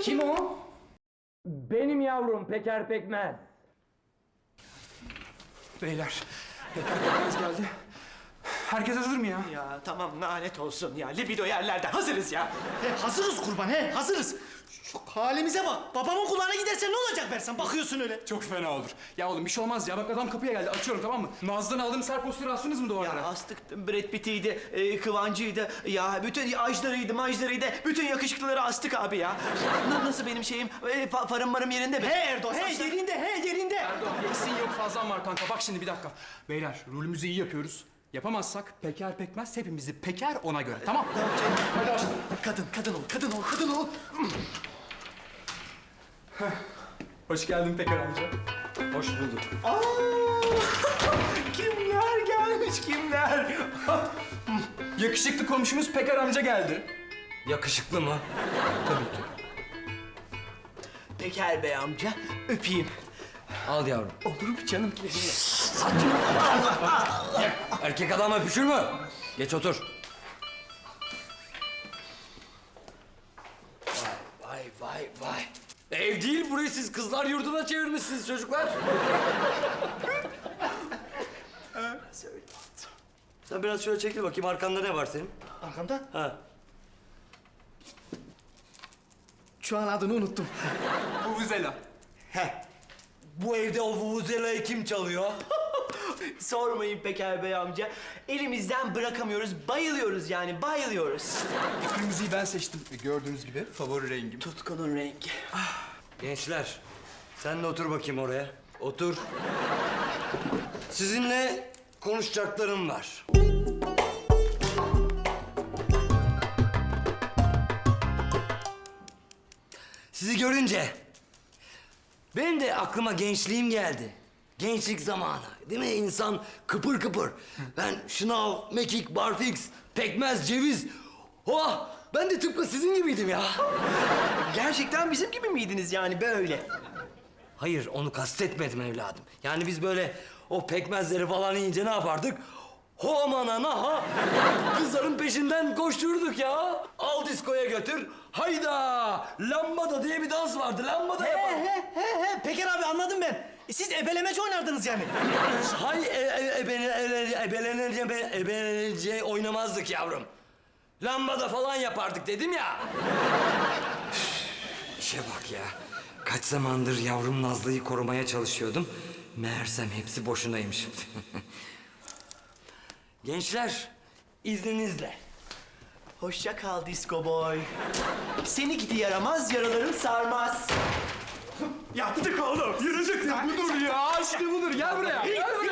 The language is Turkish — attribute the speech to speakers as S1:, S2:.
S1: Kim o?
S2: Benim yavrum Peker Pekmez.
S1: Beyler, Pekmez geldi. Herkes hazır mı ya?
S3: Ya tamam lanet olsun ya. Libido yerlerde hazırız ya.
S4: Hazırız kurban hazırız. Şu halimize bak. Babamın kulağına gidersen ne olacak Bersan? Bakıyorsun öyle.
S1: Çok fena olur. Ya oğlum bir şey olmaz ya. Bak adam kapıya geldi. Açıyorum tamam mı? Nazlı'dan aldığımız her posteri astınız mı duvarlara?
S3: Ya astık Brad Pitt'iydi, Kıvancı'ydı, ya bütün ajlarıydı, bütün yakışıklıları astık abi ya. Nasıl benim şeyim, farım marım yerinde mi?
S4: He Erdo, he yerinde.
S1: Erdoğan eksiğin yok fazlan var kanka. Bak şimdi bir dakika. Beyler rolümüzü iyi yapıyoruz. Yapamazsak Peker Pekmez hepimizi peker ona göre. Tamam. Hadi başlayalım.
S3: Kadın ol.
S1: Hoş geldin Peker amca.
S2: Hoş bulduk.
S3: Kimler gelmiş kimler?
S1: Yakışıklı komşumuz Peker amca geldi.
S2: Yakışıklı mı? Tabii ki.
S3: Peker Bey amca, öpeyim.
S2: Al yavrum.
S3: Olur mu canım?
S2: Erkek adam öpüşür mü? Geç otur. Vay. Ev değil burayı siz kızlar yurduna çevirmişsiniz çocuklar. Sen biraz şöyle çekil bakayım arkanda ne var senin?
S4: Arkamda?
S2: Ha.
S4: Şu an adını unuttum.
S1: Vuvuzela.
S2: Bu evde o vuvuzelayı kim çalıyor?
S3: Sormayın Peker Bey amca. Elimizden bırakamıyoruz, bayılıyoruz.
S1: Kırmızıyı ben seçtim. Gördüğünüz gibi favori rengim.
S3: Tutkunun rengi.
S2: Gençler, sen de otur bakayım oraya. Otur. Sizinle konuşacaklarım var. Sizi görünce benim de aklıma gençliğim geldi. Gençlik zamanı. Değil mi? İnsan kıpır kıpır. Ben şınav, mekik, barfix, pekmez, ceviz. Oh! Ben de tıpkı sizin gibiydim ya.
S3: Gerçekten bizim gibi miydiniz yani böyle?
S2: Hayır, onu kastetmedim evladım. Yani biz böyle o pekmezleri falan yiyince ne yapardık? Ho aman ana ha! Kızların peşinden koşturduk ya. Al diskoya götür. Hayda! Lambada diye bir dans vardı. Lambada yapar.
S4: He. Peker abi anladım ben. Siz ebelemeci oynardınız yani.
S2: Hay ebelenece oynamazdık yavrum. Lambada falan yapardık dedim ya. İşe bak ya. Kaç zamandır yavrum Nazlı'yı korumaya çalışıyordum. Meğersem hepsi boşunaymış. Gençler, izninizle.
S3: Hoşça kal disco boy. Seni gidi yaramaz, yaraların sarmaz.
S1: Yaptık oğlum. Yürüdük ya. Budur ya. İşte budur. Gel buraya. Gel